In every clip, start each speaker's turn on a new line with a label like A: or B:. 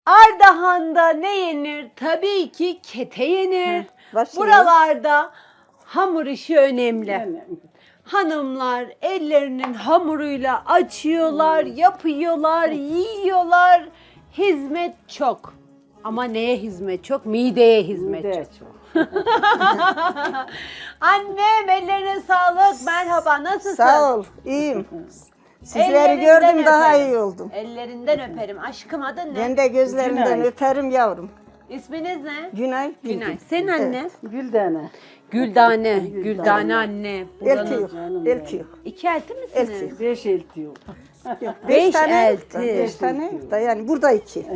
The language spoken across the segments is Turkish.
A: Ardahan'da ne yenir? Tabii ki kete yenir. Buralarda hamur işi önemli. Hanımlar ellerinin hamuruyla açıyorlar, yapıyorlar, yiyorlar. Hizmet çok. Ama neye hizmet çok? Mideye hizmet çok. Annem ellerine sağlık. Merhaba, nasılsın?
B: Sağ ol, iyiyim. Sizleri gördüm daha iyi oldum.
A: Ellerinden öperim. Aşkım adın ne?
B: Ben de gözlerinden öperim yavrum.
A: İsminiz ne?
B: Günay.
A: Günay. Senin anne?
C: Güldane.
A: Güldane. Güldane anne.
B: Elti yok. Elti yok.
A: İki elti misiniz?
B: Elti.
C: 5 elti yok.
A: Beş
B: tane
A: elti.
B: 5 tane yok da yani burada 2.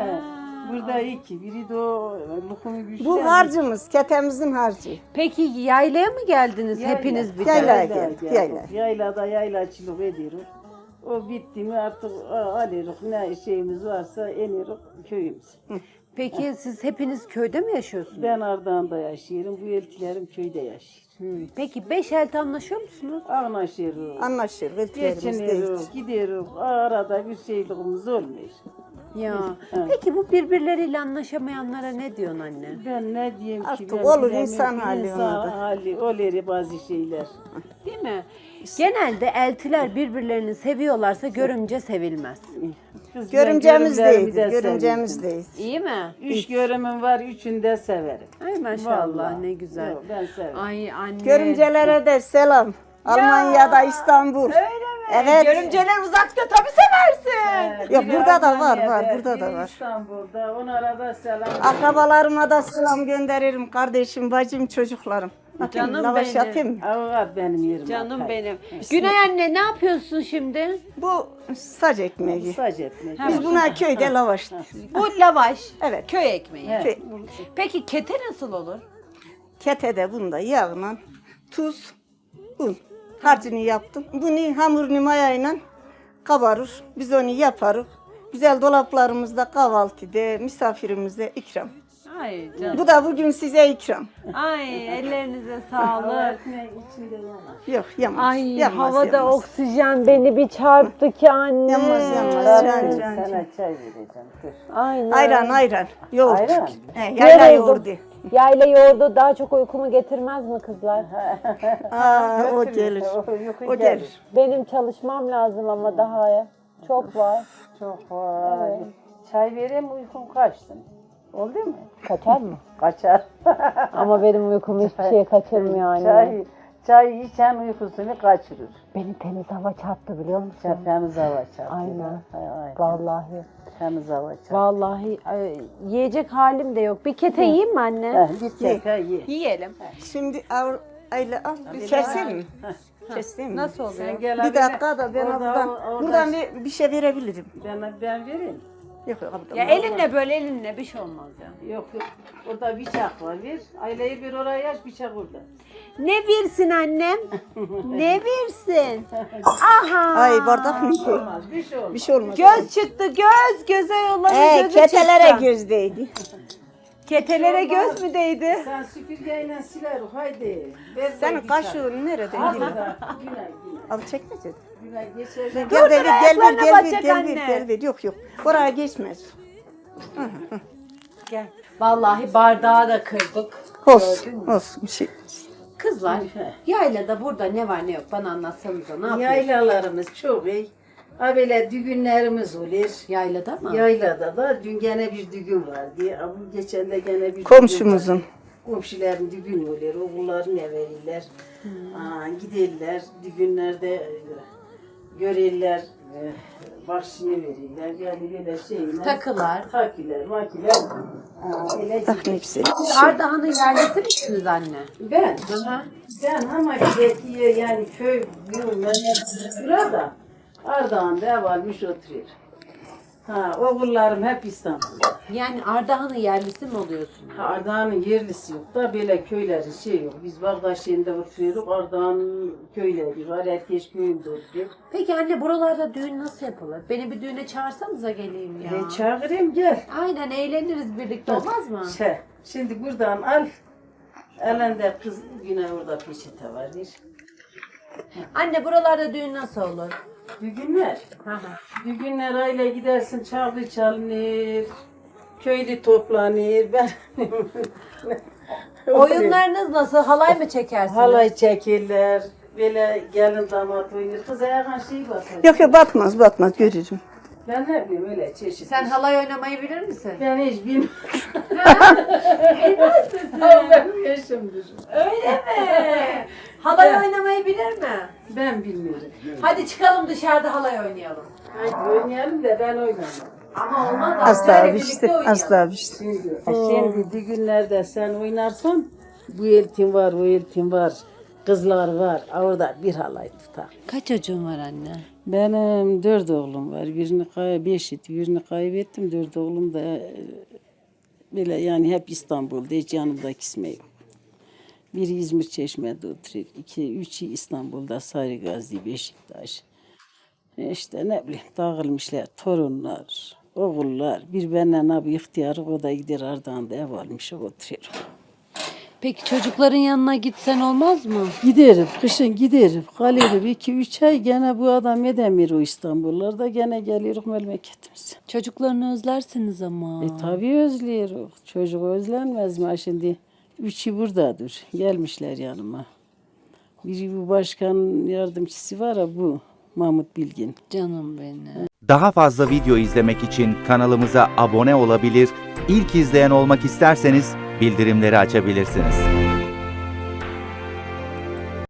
C: Burada 2. Biri de o lokumu güçlü.
B: Bu harcımız, ketemizin harcı.
A: Peki yaylaya mı geldiniz hepiniz bir de?
B: Yaylaya geldik, yaylaya.
C: Yaylada yaylaçılık ediyoruz. O bitti mi artık alırız. Ne şeyimiz varsa enirik köyümüze.
A: Peki siz hepiniz köyde mi yaşıyorsunuz?
C: Ben Ardahan'da yaşıyorum. Bu eltilerim köyde yaşıyor.
A: Peki 5 elti anlaşıyor musunuz?
C: Anlaşıyoruz.
B: Anlaşır, eltilerimiz değil.
C: Geçiniyoruz, gidiyoruz. Arada bir şeyliğimiz olmuyor.
A: Ya. Peki bu birbirleriyle anlaşamayanlara ne diyorsun anne?
C: Ben ne diyeyim ki?
B: Artık
C: ben
B: olur
C: bilemiyorum.
B: insan hali
C: İnsan
B: ona da.
C: hali, olur bazı şeyler.
A: Değil mi? Genelde eltiler birbirlerini seviyorlarsa görümce sevilmez.
C: Kız,
B: Görümcemiz
C: ben görümlerimi
B: değil,
C: de
B: görümcemiz
C: severim.
B: değil.
A: İyi mi?
C: 3 görümüm var, 3'ünü de severim.
A: Ay maşallah
C: Vallahi.
A: ne güzel.
C: Yok, ben severim.
A: Ay anne.
B: Görümcelere de selam. Almanya'da, İstanbul.
A: Öyle mi?
B: Evet.
A: Görümceler uzakta tabii seversin.
B: Yok,
C: Biri
B: burada da var,
C: Almanya'da,
B: burada da
C: biri
B: var.
C: İstanbul'da, onlara da selam.
B: Akrabalarıma da selam gönderirim. Kardeşim, bacım, çocuklarım. Atayım,
A: Canım
B: lavaş
A: benim.
B: atayım mı?
C: Avukat benim yerim.
A: Canım
C: atay.
A: benim. Günay anne ne yapıyorsun şimdi?
B: Bu saç ekmeği.
C: Saç etmek.
B: Biz buna köyde lavaş.
A: Bu lavaş.
B: Evet.
A: Köy ekmeği.
C: Evet.
B: Köy.
A: Peki kete nasıl olur?
B: Ketede bunda yağla, tuz, un. Harcını yaptım. Bunu hamurunu mayayla kabarır. Biz onu yaparız. Güzel dolaplarımızda kahvaltıda misafirimize ikram.
A: Ay canım.
B: Bu da bugün size ikram.
A: Ay ellerinize
C: Hava
A: sağlık.
C: ekmeği içinde yanar.
B: Yok yamaz.
A: Ay
B: yamaz,
A: havada
B: yamaz.
A: oksijen beni bir çarptı ki anne.
B: Yamaz, yamaz.
C: Ben
B: Can,
C: sana çay vereceğim. Dur.
A: Aynen.
B: Ayran. Yoğurt.
C: Ayran?
B: Yayla yoğurdu.
A: Yayla yoğurdu daha çok uykumu getirmez mi kızlar?
B: O gelir.
C: Yukarı
B: O gelir.
A: Benim çalışmam lazım ama daha çok var.
C: Çok var. Çay vereyim uykum kaçsın. Oldu mu?
A: Kaçar mı?
C: Kaçar.
A: Ama benim uykumu hiçbir şeye kaçırmıyor anne.
C: Çay içen uykusunu kaçırır.
A: Beni temiz hava çarptı biliyor musun?
C: Temiz hava çarptı.
A: Aynen.
C: Aynen.
A: Vallahi.
C: Temiz hava çarptı.
A: Vallahi yiyecek halim de yok. Bir kete yiyeyim mi anne?
C: Git çeka ye.
A: Yiyelim.
B: Şimdi Ayla al. Keseyim mi? Keseyim mi?
A: Nasıl oluyor?
C: Sen gel
B: Bir dakika da ben
C: oradan
B: buradan bir şey verebilirim.
C: ben vereyim.
B: Yok yok.
A: Ya elinle böyle elinle bir şey olmaz ya.
C: Yok. Orada bıçak var. Ver. Aileyi bir oraya aç bıçak orada.
A: Ne versin annem? Ne versin? Aha.
B: Ay bardak mı?
C: Olmaz. Bir şey olmaz.
B: Bir şey olmaz.
A: Göz çıktı göz. Göze yolladı gözü
B: Ketelere
A: çıktı.
B: göz değdi.
A: Ketelere göz mü değdi?
C: Sen süpürgeyle siler haydi. Ver
B: Senin
C: bıçak.
B: kaşığın nerede?
C: Günay.
B: Al çekmece.
C: Günay geçer.
B: Gel de
A: ayaklarına batacak
B: gel
A: anne.
B: ver. Yok. Oraya geçmez.
A: Gel. Vallahi bardağı da kırdık.
B: Olsun bir şey.
A: Kızlar yaylada burada ne var ne yok bana anlatsanıza ne yapıyorsunuz?
C: Yaylalarımız çok iyi. Ha böyle düğünlerimiz olur.
A: Yaylada mı?
C: Yaylada da dün gene bir düğün vardı. Ha, bu geçen de gene bir
B: Komşumuzun.
C: düğün var. Komşuların düğün olur. Oğulları ne verirler. Giderler. Düğünlerde görürler. Bahşişini verirler. Yani böyle şeyler.
A: Takılar.
C: Takılar, makiler. Öyle
B: Tak nefsi.
A: Ardahan'ın yerlisi misiniz anne?
C: Ben ama gidiyor yani köy yıllar burada Ardahan'da ev almış oturuyor. Oğullarım hep İstanbul'da.
A: Yani Ardahan'ın yerlisi mi oluyorsun?
C: Ardahan'ın yerlisi yok da böyle köyleri şey yok. Biz Bağdaşehir'de oturuyoruz. Ardahan'ın köyleri var. Herkes köyünde oturuyor.
A: Peki anne buralarda düğün nasıl yapılır? Beni bir düğüne çağırsanıza geleyim ya.
C: Çağırayım gel.
A: Aynen eğleniriz birlikte olmaz mı?
C: Şimdi buradan al. Elinde kız yine orada peçete var.
A: Anne buralarda düğün nasıl olur?
C: Düğünler.
A: Hı hı.
C: Düğünler aile gidersin çalgı çalınır. Köylü toplanır. Ben
A: Oyunlarınız nasıl? Halay mı çekersiniz?
C: halay çekirler. Böyle gelin damat oynar. Kız ayağın şey basar.
B: Yok yok batmaz görürüm.
C: Ben ne bileyim öyle çeşit.
A: Sen halay oynamayı bilir misin?
C: Ben hiç bilmem. Ama benim yaşımdır.
A: Öyle mi? Halay oynamayı bilir mi?
C: Ben bilmiyorum.
A: Hadi çıkalım dışarıda halay oynayalım.
C: Hadi oynayalım da ben oynamam.
A: Ama olmaz.
B: Asla
A: Şöyle
B: bir
A: birlikte
B: şey,
A: oynayalım.
B: asla bir şey.
C: Şimdi düğünlerde sen oynarsan bu eltin var, o eltin var. Kızlar var. Orada bir halay tutar.
A: Kaç çocuğun var anne?
C: Benim 4 oğlum var. Birini kaybettim. 4 oğlum da böyle yani hep İstanbul'da. Hiç yanımda kisme yok. Biri İzmir Çeşme'de oturuyor. Üçü İstanbul'da Sarıgazi, Beşiktaş. İşte ne bileyim dağılmışlar. Torunlar, oğullar. Bir benden abi ihtiyarı o da gider Ardahan'da ev almış oturuyor.
A: Peki çocukların yanına gitsen olmaz mı?
C: Giderim, kışın giderim. Kalırım 2-3 ay gene bu adam edemiyor o İstanbullarda. Gene geliyoruz memleketimize.
A: Çocuklarını özlersiniz ama.
C: Tabii özlüyoruz. Çocuk özlenmez mi ha şimdi? Üçü buradadır. Gelmişler yanıma. Biri bu başkan yardımcısı var ya bu. Mahmut Bilgin.
A: Canım benim.
D: Daha fazla video izlemek için kanalımıza abone olabilir, ilk izleyen olmak isterseniz bildirimleri açabilirsiniz.